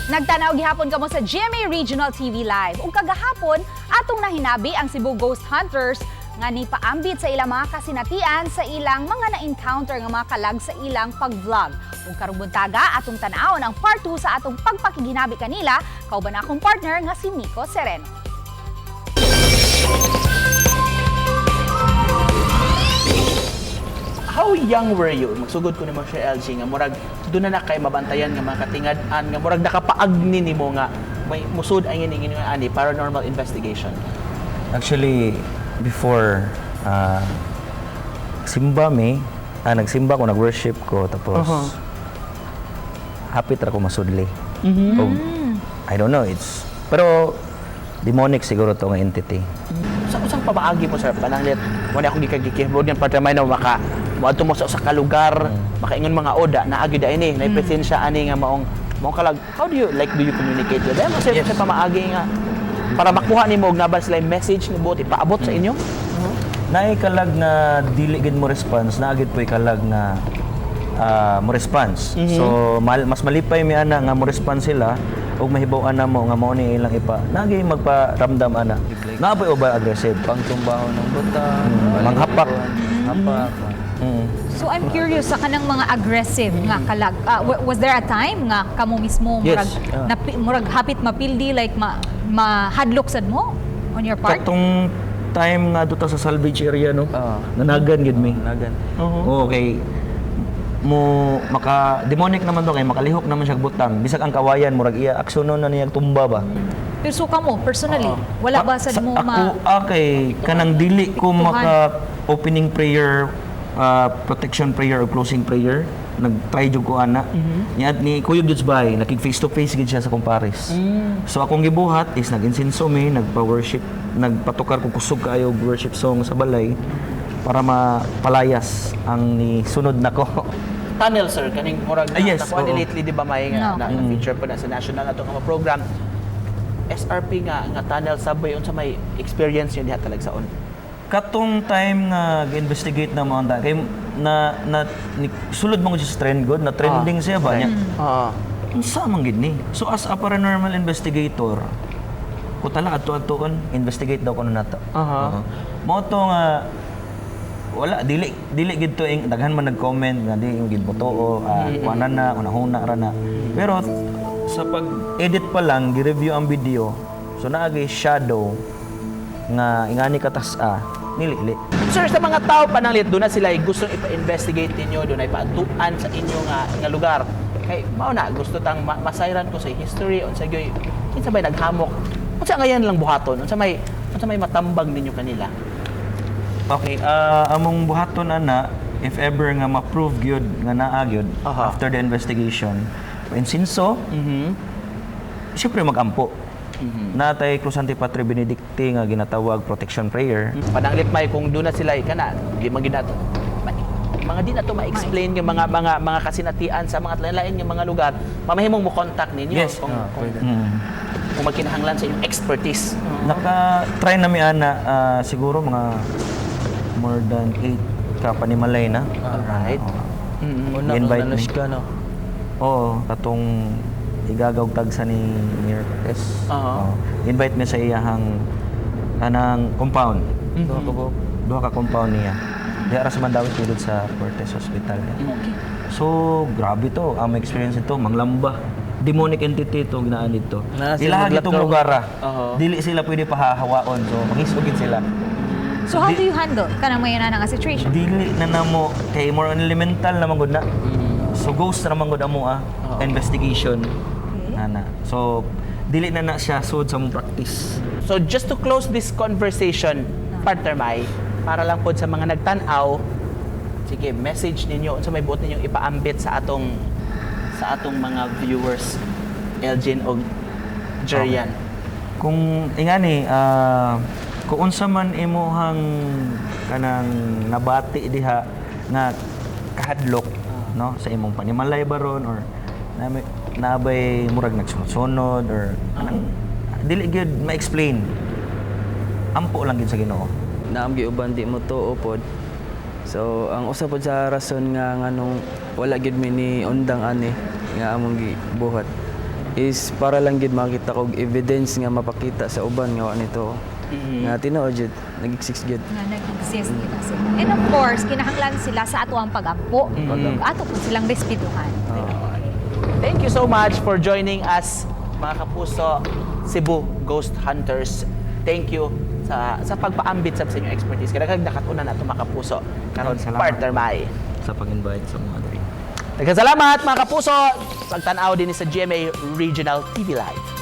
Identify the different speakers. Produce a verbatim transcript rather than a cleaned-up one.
Speaker 1: Nagtanaw gihapon kamo sa G M A Regional T V Live. Ug kagahapon, atong nahinabi ang Cebu Ghost Hunters nga nipaambit sa ilang mga kasinatian sa ilang mga na-encounter nga mga kalag sa ilang pag-vlog. Ug karong buntaga, atong tan-awon ang part two sa atong pagpakiginabi kanila, kauban akong partner nga si Nico Sereno.
Speaker 2: How young were you? Magsugod ko ni mo siya L G nga murag doon na na kay mabantayan nga mga katingad-an nga murag nakapaagni nimo nga may musud ay ngini ngini ani paranormal investigation.
Speaker 3: Actually, before, uh, simba mi, ah, nagsimba ko, nag-worship ko, tapos
Speaker 2: Uh-huh.
Speaker 3: hapit ra ko masudli.
Speaker 2: Mhm.
Speaker 3: O, I don't know, it's, pero demonic siguro to nga entity.
Speaker 2: Sa usang pamaagi mo sir, pananglit wala akong gikagikibod yan para may na maka moadto mo sa usa ka lugar, makaingon mga oda na agi da ini, na presensya ani nga maong maong kalag. How do you like do you communicate with them? Kasi
Speaker 3: Yes.
Speaker 2: sa pamaagi nga para makuha nimo og nabal sila yung message ni buot ipaabot sa inyo.
Speaker 3: Naay kalag na dili gid mo response, naagid po'y kalag na ah, mo response.
Speaker 2: Mhm.
Speaker 3: So, mal, mas malipay mi ana nga mo response sila ug mahibaw ana mo nga mao ni ilang ipa. Nagi magparamdam ana. Naapoy over aggressive.
Speaker 4: Pangtumbaho ng butang,
Speaker 3: Mm, manghapak.
Speaker 4: hapak.
Speaker 3: Mm.
Speaker 1: So I'm curious sa kanang mga aggressive nga kalag. Ah, wa- was there a time nga kamo mismo
Speaker 3: Yes.
Speaker 1: murag
Speaker 3: Ah.
Speaker 1: napi- murag hapit mapildi like ma mahadlok sad mo on your part?
Speaker 3: Katong time nga duta sa salvage area no.
Speaker 4: Oo.
Speaker 3: Nanagan gid mi.
Speaker 4: Nagan.
Speaker 3: Oo, okay. Mo maka demonic naman to kay makalihok naman siya butang. Bisag ang kawayan murag iya aksyonon na niyang tumba ba.
Speaker 1: Pero so kamo personally, wala ba sad mo
Speaker 3: ako
Speaker 1: ma
Speaker 3: okay kanang dili ko
Speaker 1: Tuhan.
Speaker 3: maka opening prayer, uh, protection prayer or closing prayer. Nag-try jud ko ana. Niya ni Kuya Judes Bay, nakig face to face gid siya sa kumpares. So akong gibuhat is nag-insinso mi, nagpa-worship, nagpatukar ko kusog kaayo og worship song sa balay para mapalayas ang ni sunod nako.
Speaker 2: Tunnel sir kaning murag
Speaker 3: Ah, yes,
Speaker 2: nakuha ni
Speaker 3: oo.
Speaker 2: lately di ba may nga
Speaker 1: No.
Speaker 2: na, na feature pa na sa national ato nga program. S R P nga nga tunnel subway unsa may experience yun diha talag saon.
Speaker 3: Katong time nga gi-investigate na mo anda kay na, na ni, sulod mo ko siya sa trend god na trending siya ba niya.
Speaker 2: Oo.
Speaker 3: Unsa man gid ni? So as a paranormal investigator, ko tala adto-adtoon investigate daw kuno nato.
Speaker 2: Aha.
Speaker 3: Mo to nga wala dili dili gid to ing daghan man nag-comment nga di yung gid botoo, ah, kuana na unahuna ra na. Pero sa pag-edit pa lang, gi-review ang video. So naagay shadow nga ingani katas-a nilili.
Speaker 2: Sir, sa mga tao pananglit doon na sila ay gustong ipa-investigate ninyo, doon ay paatuan sa inyo nga, nga lugar. Kay mao na gusto tang ma- masayran ko sa history unsa gyoy kinsa bay naghamok. Unsa ngayon lang buhaton? Unsa may unsa may matambag ninyo kanila?
Speaker 3: Okay, ah, among buhaton ana if ever nga ma-prove gyud nga naa gyud
Speaker 2: Aha.
Speaker 3: after the investigation. Insinso,
Speaker 2: Mhm.
Speaker 3: siyempre mag-ampo. Natay Cruzante Patri Benedicti nga ginatawag protection prayer.
Speaker 2: Pananglit may kung doon na sila ay kana, di man gid nato. ma- Mga di na to ma-explain yung mga mga mga kasinatian sa mga lain-lain nga mga lugar. Mamahimong mo contact ninyo
Speaker 3: Yes.
Speaker 2: kung,
Speaker 4: Ah,
Speaker 2: kung,
Speaker 4: pwede.
Speaker 3: Mm.
Speaker 2: kung magkinahanglan sa inyong expertise.
Speaker 3: Naka-try na mi ana ah, siguro mga more than eight ka panimalay na.
Speaker 2: Alright.
Speaker 3: Oo.
Speaker 2: Mhm.
Speaker 4: Una
Speaker 3: Invite
Speaker 4: kung
Speaker 3: me.
Speaker 4: nanush ka, no?
Speaker 3: Oo, katong igagaw tagsa ni Mayor Cortez.
Speaker 2: Aha.
Speaker 3: Oo. Invite mi sa iyahang kanang compound.
Speaker 4: Duha ka buok.
Speaker 3: Duha ka compound niya. Di ara sa Mandawi tulod sa Cortez Hospital. So, grabe to. Ang experience nito, manglamba. Demonic entity to ginaan dito.
Speaker 4: Na,
Speaker 3: Ilaha
Speaker 4: sila
Speaker 3: gitong
Speaker 4: maglakaw.
Speaker 3: lugar ah.
Speaker 2: Oo.
Speaker 3: Dili sila pwede pahahawaon. So, mangisugid sila.
Speaker 1: So how do you handle kanang may na nga situation?
Speaker 3: Dili na namo kay more on elemental naman gud na. So ghost na naman gud amo ah.
Speaker 2: Oo.
Speaker 3: Investigation. Nana. So dili na na siya sud sa mong practice.
Speaker 2: So just to close this conversation, partner Mai, para lang po sa mga nagtanaw, sige, message ninyo, sa may buot ninyong ipaambit sa atong sa atong mga viewers, Elgin o Jerian.
Speaker 3: Kung ingani ah kung unsa man imuhang kanang nabati diha nga kahadlok no sa imong panimalay baron or nami nabay murag nagsunod or kanang dili gyud ma-explain. Ampo lang gyud sa Ginoo.
Speaker 4: Naam giuban di mo tuo pod. So ang usa pod sa rason nga nganong wala gid mi ni undang ani nga among gibuhat. is para lang gid makita kog evidence nga mapakita sa uban nga wa nito.
Speaker 2: Mhm.
Speaker 4: Nga tinuod jud nag-exist jud.
Speaker 1: nga nag-exist kita sila. And of course, kinahanglan sila sa ato ang pag-ampo.
Speaker 2: Mhm.
Speaker 1: Ato po silang respetuhan.
Speaker 2: Thank you so much for joining us, mga kapuso, Cebu Ghost Hunters. Thank you sa sa pagpaambit sa inyong expertise. Kaya nakatunan na ito, mga kapuso. Karon
Speaker 3: Salamat.
Speaker 2: partner Mai.
Speaker 3: Sa pag-invite sa mga diri.
Speaker 2: Nagkasalamat, mga kapuso, sa tanaw din sa G M A Regional T V Live.